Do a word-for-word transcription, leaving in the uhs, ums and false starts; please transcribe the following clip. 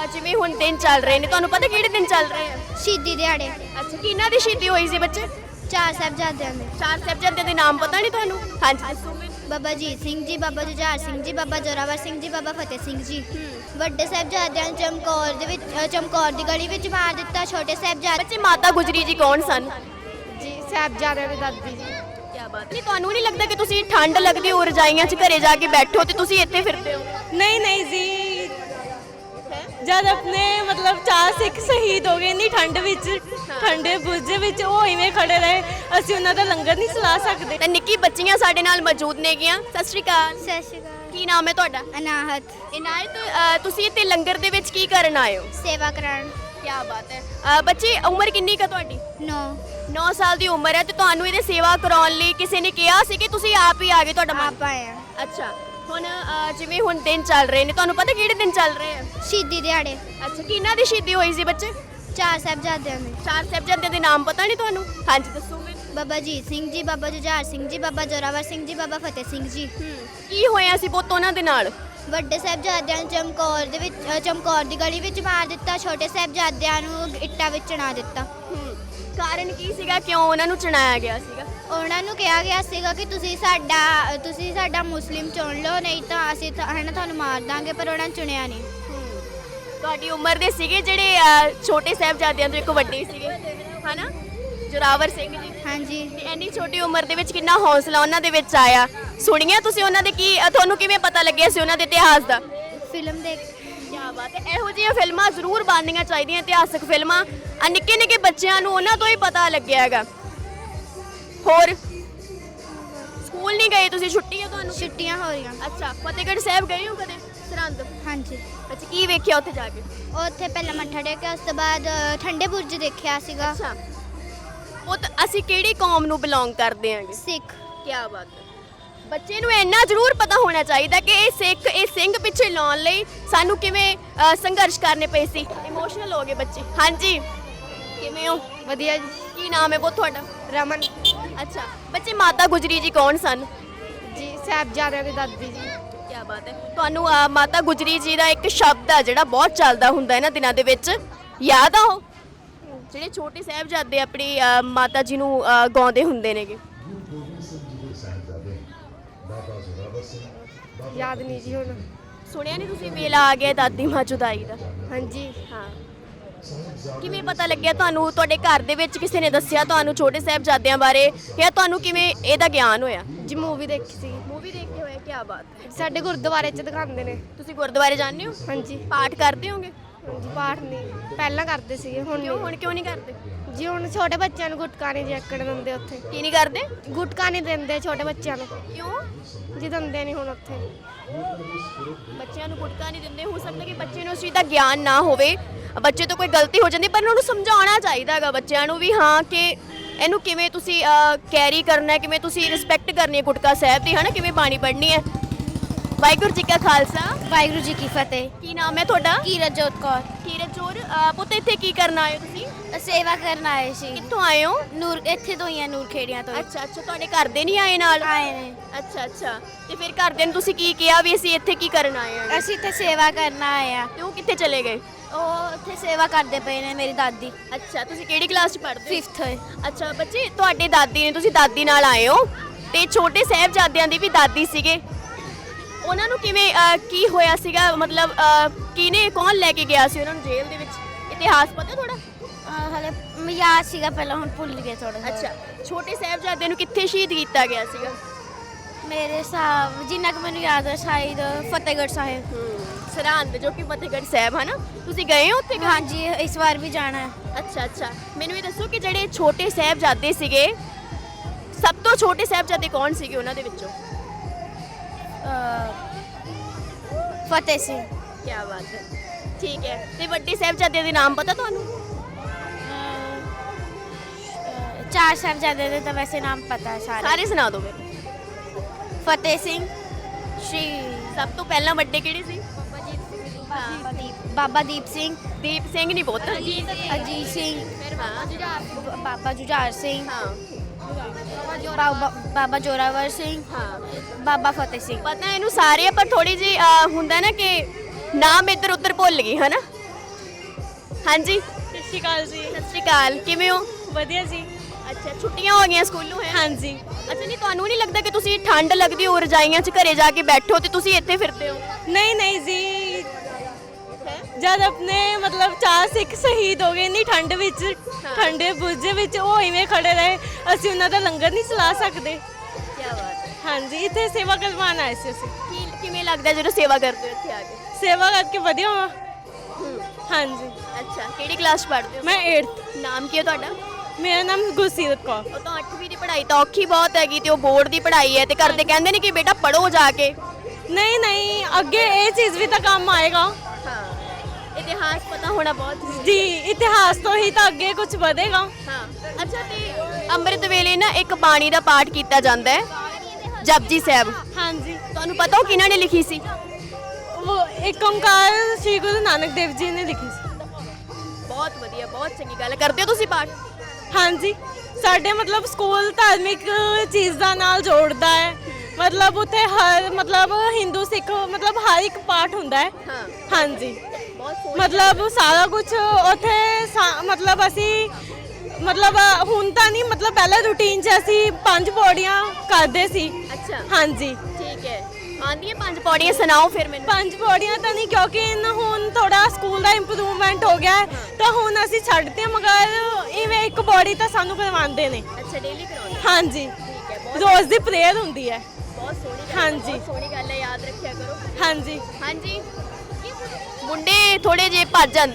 ਅਹ ਜਿਵੇਂ ਹੁਣ ਦਿਨ ਚੱਲ ਰਹੇ ਨੇ, ਤੁਹਾਨੂੰ ਪਤਾ ਕਿਹੜੇ ਦਿਨ ਚੱਲ ਰਹੇ ਆ? ਸ਼ਹੀਦੀ ਦਿਹਾੜੇ ਅੱਛਾ, ਕਿਹਨਾਂ ਦੀ ਸ਼ਹੀਦੀ ਹੋਈ ਸੀ ਬੱਚੇ? ਚਾਰ ਸਾਹਿਬਜ਼ਾਦਿਆਂ ਦੇ। ਚਾਰ ਸਾਹਿਬਜ਼ਾਦਿਆਂ ਦੇ ਨਾਮ ਪਤਾ ਨਹੀਂ ਤੁਹਾਨੂੰ? ਹਾਂਜੀ ਦੱਸੋ ਮੈਨੂੰ। ਬਾਬਾ ਅਜੀਤ ਸਿੰਘ ਜੀ, ਬਾਬਾ ਜੁਝਾਰ ਸਿੰਘ ਜੀ, ਬਾਬਾ ਜ਼ੋਰਾਵਰ ਸਿੰਘ ਜੀ, ਬਾਬਾ ਫਤਿਹ ਸਿੰਘ ਜੀ। ਵੱਡੇ ਸਾਹਿਬਜ਼ਾਦਿਆਂ ਨੂੰ ਚਮਕੌਰ ਦੇ ਵਿੱਚ ਅ, ਚਮਕੌਰ ਦੀ ਗਲੀ ਵਿੱਚ ਮਾਰ ਦਿੱਤਾ। ਛੋਟੇ ਸਾਹਿਬਜ਼ਾਦੇ ਬੱਚੇ ਮਾਤਾ ਗੁਜਰੀ ਜੀ ਕੌਣ ਸਨ? ਜੀ ਸਾਹਿਬਜ਼ਾਦਿਆਂ ਦੀ ਦਾਦੀ ਜੀ। ਕੀ ਬਾਤ ਨਹੀਂ, ਤੁਹਾਨੂੰ ਨਹੀਂ ਲੱਗਦਾ ਕਿ ਤੁਸੀਂ ਠੰਡ ਲੱਗਦੀ ਹੋ ਰਜਾਈਆਂ 'ਚ ਘਰੇ ਜਾ ਕੇ ਬੈਠੋ ਤੇ ਤੁਸੀਂ ਇੱਥੇ ਫਿਰਦੇ ਹੋ? नहीं नहीं जी जब अपने मतलब चार सिख शहीद हो गए इन्नी ठंड विच ठंडे बुर्जे विच ਉਹ ਇਵੇਂ ਖੜੇ ਰਹੇ ਅਸੀਂ ਉਹਨਾਂ ਦਾ ਲੰਗਰ ਨਹੀਂ ਸਲਾ ਸਕਦੇ। ਤਾਂ ਨਿੱਕੀ ਬੱਚੀਆਂ ਸਾਡੇ ਨਾਲ ਮੌਜੂਦ ਨੇਗੀਆਂ। ਸਤਿ ਸ਼੍ਰੀ ਅਕਾਲ। ਸਤਿ ਸ਼੍ਰੀ ਅਕਾਲ। ਕੀ ਨਾਮ ਹੈ ਤੁਹਾਡਾ? ਅਨਾਹਤ। ਇਨਾਇਤ, ਅਹ ਤੁਸੀਂ ਇੱਥੇ ਲੰਗਰ ਦੇ ਵਿੱਚ ਕੀ ਕਰਨ ਆਏ ਹੋ? ਸੇਵਾ ਕਰਾਉਣ। ਕੀ ਬਾਤ ਹੈ। ਅਹ ਬੱਚੇ, ਉਮਰ ਕਿੰਨੀ ਕੁ ਤੁਹਾਡੀ? ਨੌ। ਨੌ ਸਾਲ ਦੀ ਉਮਰ ਹੈ ਤੇ ਤੁਹਾਨੂੰ ਇਹਦੇ ਸੇਵਾ ਕਰਾਉਣ ਲਈ ਕਿਸੇ ਨੇ ਕਿਹਾ ਸੀ ਕਿ ਤੁਸੀਂ ਆਪ ਹੀ ਆ ਗਏ? ਤੁਹਾਡਾ ਮਨ? ਆਪ ਆਏ ਆ। ਅੱਛਾ, ਹੁਣ ਅਹ ਜਿਵੇਂ ਹੁਣ ਦਿਨ ਚੱਲ ਰਹੇ ਨੇ, ਤੁਹਾਨੂੰ ਪਤਾ ਕਿਹੜੇ ਦਿਨ ਚੱਲ ਰਹੇ ਆ? ਸ਼ਹੀਦੀ ਦਿਹਾੜੇ। ਅੱਛਾ, ਕਿਹਨਾਂ ਦੀ ਸ਼ਹੀਦੀ ਹੋਈ ਸੀ ਬੱਚੇ? ਚਾਰ ਸਾਹਿਬਜ਼ਾਦਿਆਂ ਦੇ। ਚਾਰ ਸਾਹਿਬਜ਼ਾਦਿਆਂ ਦੇ ਨਾਮ ਪਤਾ ਨਹੀਂ ਤੁਹਾਨੂੰ? ਹਾਂਜੀ ਦੱਸੋ ਮੈਨੂੰ। ਬਾਬਾ ਅਜੀਤ ਸਿੰਘ ਜੀ, ਬਾਬਾ ਜੁਝਾਰ ਸਿੰਘ ਜੀ, ਬਾਬਾ ਜ਼ੋਰਾਵਰ ਸਿੰਘ ਜੀ, ਬਾਬਾ ਫਤਿਹ ਸਿੰਘ ਜੀ। ਕੀ ਹੋਇਆ ਸੀ ਪੁੱਤ ਉਹਨਾਂ ਦੇ ਨਾਲ? ਵੱਡੇ ਸਾਹਿਬਜ਼ਾਦਿਆਂ ਨੂੰ ਚਮਕੌਰ ਦੇ ਵਿੱਚ ਅ, ਚਮਕੌਰ ਦੀ ਗਲੀ ਵਿੱਚ ਮਾਰ ਦਿੱਤਾ। ਛੋਟੇ ਸਾਹਿਬਜ਼ਾਦਿਆਂ ਨੂੰ ਇੱਟਾਂ ਵਿੱਚ ਚਿਣਾ ਦਿੱਤਾ। ਕਾਰਨ ਕੀ ਸੀਗਾ, ਕਿਉਂ ਉਹਨਾਂ ਨੂੰ ਚੁਣਾਇਆ ਗਿਆ ਸੀਗਾ? ਉਹਨਾਂ ਨੂੰ ਕਿਹਾ ਗਿਆ ਸੀਗਾ ਕਿ ਤੁਸੀਂ ਸਾਡਾ ਤੁਸੀਂ ਸਾਡਾ ਮੁਸਲਿਮ ਚੁਣ ਲਓ, ਨਹੀਂ ਤਾਂ ਅਸੀਂ ਤਾਂ ਹੈ ਨਾ ਤੁਹਾਨੂੰ ਮਾਰ ਦਾਂਗੇ, ਪਰ ਉਹਨਾਂ ਨੇ ਚੁਣਿਆ ਨਹੀਂ। ਤੁਹਾਡੀ ਉਮਰ ਦੇ ਸੀਗੇ ਜਿਹੜੇ ਅਹ, ਛੋਟੇ ਸਾਹਿਬਜ਼ਾਦਿਆਂ ਤੋਂ ਇੱਕ ਵੱਡੇ ਸੀਗੇ, ਹਨਾ? ਜੋਰਾਵਰ ਸਿੰਘ ਜੀ। ਹਾਂਜੀ। ਤੇ ਇੰਨੀ ਛੋਟੀ ਉਮਰ ਦੇ ਵਿੱਚ ਕਿੰਨਾ ਹੌਸਲਾ ਉਹਨਾਂ ਦੇ ਵਿੱਚ ਆਇਆ। ਸੁਣੀਆਂ ਤੁਸੀਂ ਉਹਨਾਂ ਦੇ? ਕੀ ਅਹ, ਤੁਹਾਨੂੰ ਕਿਵੇਂ ਪਤਾ ਲੱਗਿਆ ਸੀ ਉਹਨਾਂ ਦੇ ਇਤਿਹਾਸ ਦਾ? ਫਿਲਮ ਦੇਖ। ਕੀ ਬਾਤ ਹੈ। ਇਹੋ ਜਿਹੀਆਂ ਫਿਲਮਾਂ ਜ਼ਰੂਰ ਬਣਨੀਆਂ ਚਾਹੀਦੀਆਂ, ਇਤਿਹਾਸਕ ਫਿਲਮਾਂ। ਆ ਨਿੱਕੇ ਨਿੱਕੇ ਬੱਚਿਆਂ ਨੂੰ ਉਹਨਾਂ ਤੋਂ ਹੀ ਪਤਾ ਲੱਗਿਆ ਹੈਗਾ। ਹੋਰ ਸਕੂਲ ਨਹੀਂ ਗਏ ਤੁਸੀਂ? ਛੁੱਟੀ ਹੈ ਤੁਹਾਨੂੰ? ਛੁੱਟੀਆਂ ਹੋ ਰਹੀਆਂ। ਅੱਛਾ, ਫਤਿਹਗੜ੍ਹ ਸਾਹਿਬ ਗਏ ਹੋ ਕਦੇ? ਸਰਹੰਦ? ਹਾਂਜੀ। ਅੱਛਾ, ਕੀ ਵੇਖਿਆ ਉੱਥੇ ਜਾ ਕੇ? ਉੱਥੇ ਪਹਿਲਾਂ ਮੱਥਾ ਟੇਕਿਆ, ਉਸ ਤੋਂ ਬਾਅਦ ਅ, ਠੰਡੇ ਬੁਰਜ ਦੇਖਿਆ ਸੀਗਾ। ਅੱਛਾ, ਉਹ ਤਾਂ ਅਸੀਂ ਕਿਹੜੀ ਕੌਮ ਨੂੰ ਬਿਲੋਂਗ ਕਰਦੇ ਆਂਗੇ? ਸਿੱਖ। ਕੀ ਬਾਤ ਹੈ। ਬੱਚੇ ਨੂੰ ਇੰਨਾ ਜ਼ਰੂਰ ਪਤਾ ਹੋਣਾ ਚਾਹੀਦਾ ਕਿ ਇਹ ਸਿੱਖ ਇਹ ਸਿੰਘ ਪਿੱਛੇ ਲਾਉਣ ਲਈ ਸਾਨੂੰ ਕਿਵੇਂ ਅ, ਸੰਘਰਸ਼ ਕਰਨੇ ਪਏ ਸੀ। ਇਮੋਸ਼ਨਲ ਹੋ ਗਏ ਬੱਚੇ। ਹਾਂਜੀ, ਕਿਵੇਂ ਹੋ? ਵਧੀਆ ਜੀ। ਕੀ ਨਾਮ ਹੈ ਬਹੁਤ ਤੁਹਾਡਾ? ਰਮਨ ਅੱਛਾ, ਬੱਚੇ ਮਾਤਾ ਗੁਜਰੀ ਜੀ ਕੌਣ ਸਨ? ਜੀ ਸਾਹਿਬਜ਼ਾਦਿਆਂ ਦੀ ਦਾਦੀ ਜੀ। ਕੀ ਬਾਤ ਹੈ। ਤੁਹਾਨੂੰ ਅ, ਮਾਤਾ ਗੁਜਰੀ ਜੀ ਦਾ ਇੱਕ ਸ਼ਬਦ ਆ ਜਿਹੜਾ ਬਹੁਤ ਚੱਲਦਾ ਹੁੰਦਾ ਇਹਨਾਂ ਦਿਨਾਂ ਦੇ ਵਿੱਚ, ਯਾਦ ਆ ਉਹ? ਜਿਹੜੇ ਛੋਟੇ ਸਾਹਿਬਜ਼ਾਦੇ ਆਪਣੀ ਅ, ਮਾਤਾ ਜੀ ਨੂੰ ਅ, ਗਾਉਂਦੇ ਹੁੰਦੇ ਨੇਗੇ। ਯਾਦ ਨਹੀਂ ਜੀ ਹੁਣ। ਸੁਣਿਆ ਨਹੀਂ ਤੁਸੀਂ? ਵੇਲਾ ਆ ਗਿਆ ਦਾਦੀ ਮਾਂ ਜੁਦਾਈ ਦਾ। ਹਾਂਜੀ। ਹਾਂ, ਕਿਵੇਂ ਪਤਾ ਲੱਗਿਆ ਤੁਹਾਨੂੰ? ਤੁਹਾਡੇ ਘਰ ਦੇ ਵਿੱਚ ਕਿਸੇ ਨੇ ਦੱਸਿਆ ਤੁਹਾਨੂੰ ਛੋਟੇ ਸਾਹਿਬਜ਼ਾਦਿਆਂ ਬਾਰੇ, ਜਾਂ ਤੁਹਾਨੂੰ ਕਿਵੇਂ ਇਹਦਾ ਗਿਆਨ ਹੋਇਆ? ਜੀ ਮੂਵੀ ਦੇਖੀ ਸੀ। ਮੂਵੀ ਦੇਖ ਕੇ ਹੋਇਆ। ਕੀ ਬਾਤ ਹੈ। ਸਾਡੇ ਗੁਰਦੁਆਰੇ 'ਚ ਦਿਖਾਉਂਦੇ ਨੇ। ਤੁਸੀਂ ਗੁਰਦੁਆਰੇ ਜਾਂਦੇ ਹੋ? ਹਾਂਜੀ। ਪਾਠ ਕਰਦੇ ਹੋਗੇ? ਹਾਂਜੀ, ਪਾਠ ਨਹੀਂ ਪਹਿਲਾਂ ਕਰਦੇ ਸੀਗੇ, ਹੁਣ ਕਿਉਂ? ਨਹੀਂ। ਹੁਣ ਕਿਉਂ ਨਹੀਂ ਕਰਦੇ? ਜੀ ਹੁਣ ਛੋਟੇ ਬੱਚਿਆਂ ਨੂੰ ਗੁਟਕਾ ਨਹੀਂ ਜੈਕੜ ਦਿੰਦੇ ਉੱਥੇ। ਕੀ ਨਹੀਂ ਕਰਦੇ? ਗੁਟਕਾ ਨਹੀਂ ਦਿੰਦੇ ਛੋਟੇ ਬੱਚਿਆਂ ਨੂੰ। ਕਿਉਂ? ਜੀ ਦਿੰਦੇ ਨਹੀਂ ਹੁਣ ਉੱਥੇ। ਬੱਚਿਆਂ ਨੂੰ ਗੁਟਕਾ ਨਹੀਂ ਦਿੰਦੇ। ਹੋ ਸਕਦਾ ਕਿ ਬੱਚੇ ਨੂੰ ਉਸ ਚੀਜ਼ ਦਾ ਗਿਆਨ ਨਾ ਹੋਵੇ, ਬੱਚੇ ਤੋਂ ਕੋਈ ਗਲਤੀ ਹੋ ਜਾਂਦੀ, ਪਰ ਉਹਨਾਂ ਨੂੰ ਸਮਝਾਉਣਾ ਚਾਹੀਦਾ ਹੈਗਾ ਬੱਚਿਆਂ ਨੂੰ ਵੀ, ਹਾਂ ਕਿ ਇਹਨੂੰ ਕਿਵੇਂ ਤੁਸੀਂ ਕੈਰੀ ਕਰਨਾ ਹੈ, ਕਿਵੇਂ ਤੁਸੀਂ ਰਿਸਪੈਕਟ ਕਰਨੀ ਹੈ ਗੁਟਕਾ ਸਾਹਿਬ ਦੀ, ਹਨਾ, ਕਿਵੇਂ ਬਾਣੀ ਪੜ੍ਹਨੀ ਹੈ। ਵਾਹਿਗੁਰੂ ਜੀ ਕਾ ਖਾਲਸਾ, ਵਾਹਿਗੁਰੂ ਜੀ ਕੀ ਫਤਿਹ। ਕੀ ਨਾਮ ਹੈ ਤੁਹਾਡਾ? ਕੀਰਤਜੋਤ ਕੌਰ। ਕੀਰਤਜੋਤ। ਪੁੱਤ ਇੱਥੇ ਕੀ ਕਰਨ ਆਏ ਹੋ ਤੁਸੀਂ? ਸੇਵਾ ਕਰਨ ਆਏ ਸੀ। ਕਿੱਥੋਂ ਆਏ ਹੋ? ਨੂਰ ਇੱਥੇ ਤੋਂ ਹੀ ਆ, ਨੂਰ ਖੇੜੀਆਂ ਤੋਂ। ਅੱਛਾ ਅੱਛਾ, ਤੁਹਾਡੇ ਘਰ ਦੇ ਨਹੀਂ ਆਏ ਨਾਲ? ਆਏ ਨੇ। ਅੱਛਾ ਅੱਛਾ, ਤੇ ਫਿਰ ਘਰਦਿਆਂ ਨੂੰ ਤੁਸੀਂ ਕੀ ਕਿਹਾ ਵੀ ਅਸੀਂ ਇੱਥੇ ਕੀ ਕਰਨ ਆਏ ਹਾਂ? ਅਸੀਂ ਤੇ ਸੇਵਾ ਕਰਨ ਆਏ ਆ। ਤੇ ਉਹ ਕਿੱਥੇ ਚਲੇ ਗਏ? ਉਹ ਉੱਥੇ ਸੇਵਾ ਕਰਦੇ ਪਏ ਨੇ ਮੇਰੀ ਦਾਦੀ। ਅੱਛਾ, ਤੁਸੀਂ ਕਿਹੜੀ ਕਲਾਸ 'ਚ ਪੜ੍ਹਦੇ ਹੋ? ਫਿਫਥ। ਅੱਛਾ ਬੱਚੇ, ਤੁਹਾਡੇ ਦਾਦੀ ਨੇ, ਤੁਸੀਂ ਦਾਦੀ ਨਾਲ ਆਏ ਹੋ, ਤੇ ਛੋਟੇ ਸਾਹਿਬਜ਼ਾਦਿਆਂ ਦੀ ਵੀ ਦਾਦੀ ਸੀਗੇ। ਉਹਨਾਂ ਨੂੰ ਕਿਵੇਂ ਅਹ, ਕੀ ਹੋਇਆ ਸੀਗਾ, ਮਤਲਬ ਅਹ, ਕਿਹਨੇ ਕੌਣ ਲੈ ਕੇ ਗਿਆ ਸੀ ਉਹਨਾਂ ਨੂੰ ਜੇਲ੍ਹ ਦੇ ਵਿੱਚ? ਇਤਿਹਾਸ ਪਤਾ ਥੋੜਾ? ਹਲੇ ਯਾਦ ਸੀਗਾ ਪਹਿਲਾਂ, ਹੁਣ ਭੁੱਲ ਗਏ ਥੋੜਾ। ਅੱਛਾ, ਛੋਟੇ ਸਾਹਿਬਜ਼ਾਦਿਆਂ ਨੂੰ ਕਿੱਥੇ ਸ਼ਹੀਦ ਕੀਤਾ ਗਿਆ ਸੀਗਾ? ਮੇਰੇ ਹਿਸਾਬ ਜਿੰਨਾ ਕਿ ਮੈਨੂੰ ਯਾਦ ਹੈ ਸ਼ਾਇਦ ਫਤਿਹਗੜ੍ਹ ਸਾਹਿਬ। ਸਰਹੰਦ, ਜੋ ਕਿ ਫਤਿਹਗੜ੍ਹ ਸਾਹਿਬ, ਹਨਾ? ਤੁਸੀਂ ਗਏ ਹੋ ਉੱਥੇ? ਹਾਂਜੀ, ਇਸ ਵਾਰ ਵੀ ਜਾਣਾ ਹੈ। ਅੱਛਾ ਅੱਛਾ, ਮੈਨੂੰ ਇਹ ਦੱਸੋ ਕਿ ਜਿਹੜੇ ਛੋਟੇ ਸਾਹਿਬਜ਼ਾਦੇ ਸੀਗੇ, ਸਭ ਤੋਂ ਛੋਟੇ ਸਾਹਿਬਜ਼ਾਦੇ ਕੌਣ ਸੀਗੇ ਉਹਨਾਂ ਦੇ ਵਿੱਚੋਂ? ਫਤਿਹ ਸਿੰਘ। ਕੀ ਬਾਤ ਹੈ, ਠੀਕ ਹੈ। ਤੇ ਵੱਡੇ ਸਾਹਿਬਜ਼ਾਦਿਆਂ ਦੇ ਨਾਮ ਪਤਾ ਤੁਹਾਨੂੰ? ਚਾਰ ਸਾਹਿਬਜ਼ਾਦੇ ਦੇ ਤਾਂ ਵੈਸੇ ਨਾਮ ਪਤਾ ਹੈ ਸਾਰੇ। ਸਾਰੇ ਸੁਣਾ ਦਿਓ ਮੈਨੂੰ। ਫਤਿਹ ਸਿੰਘ, ਸ਼੍ਰੀ ਸਭ ਤੋਂ ਪਹਿਲਾਂ ਵੱਡੇ ਕਿਹੜੇ ਸੀ? ਬਾਬਾ ਦੀਪ ਸਿੰਘ। ਦੀਪ ਸਿੰਘ ਨਹੀਂ ਪੁੱਤ। ਅਜੀਤ ਸਿੰਘ। ਹਾਂ ਬਾਬਾ ਜੁਝਾਰ ਸਿੰਘ। ਹਾਂ ਬਾਬਾ ਬਾਬਾ ਜੋਰਾਵਰ ਸਿੰਘ। ਹਾਂ, ਬਾਬਾ ਫਤਿਹ ਸਿੰਘ। ਪਤਾ ਇਹਨੂੰ ਸਾਰੇ, ਪਰ ਥੋੜੀ ਜੀ ਹੁੰਦਾ ਨਾ ਕਿ ਨਾਮ ਇੱਧਰ ਉੱਧਰ ਭੁੱਲ ਗਈ, ਹਨਾ? ਹਾਂਜੀ ਸਤਿ ਸ਼੍ਰੀ ਅਕਾਲ ਜੀ। ਸਤਿ ਸ਼੍ਰੀ ਅਕਾਲ, ਕਿਵੇਂ ਹੋ? ਵਧੀਆ ਜੀ। ਅੱਛਾ, ਛੁੱਟੀਆਂ ਹੋ ਗਈਆਂ ਸਕੂਲੋਂ ਹੈ? ਹਾਂਜੀ। ਅੱਛਾ, ਨਹੀਂ ਤੁਹਾਨੂੰ ਨਹੀਂ ਲੱਗਦਾ ਕਿ ਤੁਸੀਂ ਠੰਡ ਲੱਗਦੀ ਹੋ ਰਜਾਈਆਂ 'ਚ ਘਰੇ ਜਾ ਕੇ ਬੈਠੋ ਤੇ ਤੁਸੀਂ ਇੱਥੇ ਫਿਰਦੇ ਹੋ? ਨਹੀਂ ਨਹੀਂ ਜੀ, ਜਦ ਆਪਣੇ ਮਤਲਬ ਚਾਰ ਸਿੱਖ ਸ਼ਹੀਦ ਹੋ ਗਏ ਇੰਨੀ ਠੰਡ ਵਿੱਚ, ਠੰਡੇ ਬੁਰਜੇ ਵਿੱਚ, ਉਹ ਇਵੇਂ ਖੜੇ ਰਹੇ, ਅਸੀਂ ਉਹਨਾਂ ਦਾ ਲੰਗਰ ਨਹੀਂ ਚਲਾ ਸਕਦੇ। ਕੀ ਬਾਤ ਹੈ। ਹਾਂਜੀ, ਇੱਥੇ ਸੇਵਾ ਕਰਵਾਉਣ ਆਏ ਸੀ ਅਸੀਂ। ਕੀ ਕਿਵੇਂ ਲੱਗਦਾ ਜਦੋਂ ਸੇਵਾ ਕਰਦੇ ਹੋ ਇੱਥੇ ਆ ਕੇ? ਸੇਵਾ ਕਰਕੇ ਵਧੀਆ ਵਾ। ਹੂੰ। ਹਾਂਜੀ। ਅੱਛਾ, ਕਿਹੜੀ ਕਲਾਸ 'ਚ ਪੜ੍ਹਦੇ ਹੋ? ਮੈਂ ਅੱਠਵੀਂ। ਨਾਮ ਕੀ ਹੈ ਤੁਹਾਡਾ? ਮੇਰਾ ਨਾਮ ਗੁਰਸੀਰਤ ਕੌਰ। ਉਹ ਤਾਂ ਅੱਠਵੀਂ ਦੀ ਪੜ੍ਹਾਈ ਤਾਂ ਔਖੀ ਬਹੁਤ ਹੈਗੀ ਤੇ ਉਹ ਬੋਰਡ ਦੀ ਪੜ੍ਹਾਈ ਹੈ ਤੇ ਘਰ ਦੇ ਕਹਿੰਦੇ ਨੇ ਕਿ ਬੇਟਾ ਪੜ੍ਹੋ ਜਾ ਕੇ। ਨਹੀਂ ਨਹੀਂ, ਅੱਗੇ ਇਹ ਚੀਜ਼ ਵੀ ਤਾਂ ਕੰਮ ਆਏਗਾ। ਹਾਂ, ਇਤਿਹਾਸ ਪਤਾ ਹੋਣਾ ਬਹੁਤ ਜ਼ਰੂਰੀ ਜੀ, ਇਤਿਹਾਸ ਤੋਂ ਹੀ ਤਾਂ ਅੱਗੇ ਕੁਝ ਵਧੇਗਾ। ਹਾਂ। ਅੱਛਾ, ਤੇ ਅੰਮ੍ਰਿਤ ਵੇਲੇ ਨਾ ਇੱਕ ਬਾਣੀ ਦਾ ਪਾਠ ਕੀਤਾ ਜਾਂਦਾ ਹੈ, ਜਪਜੀ ਸਾਹਿਬ। ਹਾਂਜੀ। ਤੁਹਾਨੂੰ ਪਤਾ ਉਹ ਕਿਹਨਾਂ ਨੇ ਲਿਖੀ ਸੀ? ਉਹ ਏਕ ਓਂਕਾਰ ਸ੍ਰੀ ਗੁਰੂ ਨਾਨਕ ਦੇਵ ਜੀ ਨੇ ਲਿਖੀ ਸੀ। ਬਹੁਤ ਵਧੀਆ, ਬਹੁਤ ਚੰਗੀ ਗੱਲ। ਕਰਦੇ ਹੋ ਤੁਸੀਂ ਪਾਠ? ਹਾਂਜੀ, ਸਾਡੇ ਮਤਲਬ ਸਕੂਲ ਧਾਰਮਿਕ ਚੀਜ਼ਾਂ ਨਾਲ ਜੋੜਦਾ ਹੈ। ਮਤਲਬ ਉੱਥੇ ਹਰ ਮਤਲਬ ਹਿੰਦੂ ਸਿੱਖ ਮਤਲਬ ਹਰ ਇੱਕ ਪਾਠ ਹੁੰਦਾ ਹੈ। ਹਾਂ। ਹਾਂਜੀ, ਬਹੁਤ ਸੋਹਣੀ। ਮਤਲਬ ਸਾਰਾ ਕੁਝ ਉੱਥੇ ਸਾ- ਮਤਲਬ ਅਸੀਂ ਮਤਲਬ ਹੁਣ ਤਾਂ ਨਹੀਂ, ਮਤਲਬ ਪਹਿਲਾਂ ਰੂਟੀਨ 'ਚ ਅਸੀਂ ਪੰਜ ਪੌੜੀਆਂ ਕਰਦੇ ਸੀ। ਅੱਛਾ, ਹਾਂਜੀ। ਠੀਕ ਹੈ। ਆਂਦੀਆਂ ਪੰਜ ਪੌੜੀਆਂ ਸੁਣਾਓ ਫਿਰ ਮੈਨੂੰ। ਪੰਜ ਪੌੜੀਆਂ ਤਾਂ ਨਹੀਂ, ਕਿਉਂਕਿ ਇਨ ਹੁਣ ਥੋੜਾ ਸਕੂਲ ਦਾ ਇੰਪਰੂਵਮੈਂਟ ਹੋ ਗਿਆ ਹੈ, ਤਾਂ ਹੁਣ ਅਸੀਂ ਛੱਡਦੇ, ਮਗਰ ਇਵੇਂ ਇੱਕ ਪੌੜੀ ਤਾਂ ਸਾਨੂੰ ਕਰਵਾਉਂਦੇ ਨੇ। ਅੱਛਾ, ਡੇਲੀ ਕਰਾਉਂਦੇ? ਹਾਂਜੀ, ਠੀਕ ਹੈ। ਬਹੁਤ ਰੋਜ਼ ਦੀ ਪ੍ਰੇਅਰ ਹੁੰਦੀ ਹੈ। ਬਹੁਤ ਸੋਹਣੀ ਗੱਲ ਹੈ, ਹਾਂਜੀ। ਬਹੁਤ ਸੋਹਣੀ ਗੱਲ ਹੈ, ਯਾਦ ਰੱਖਿਆ ਕਰੋ। ਹਾਂਜੀ। ਹਾਂਜੀ, ਮੁੰਡੇ ਥੋੜੇ ਜਿਹੇ ਭੱਜ ਜਾਂਦੇ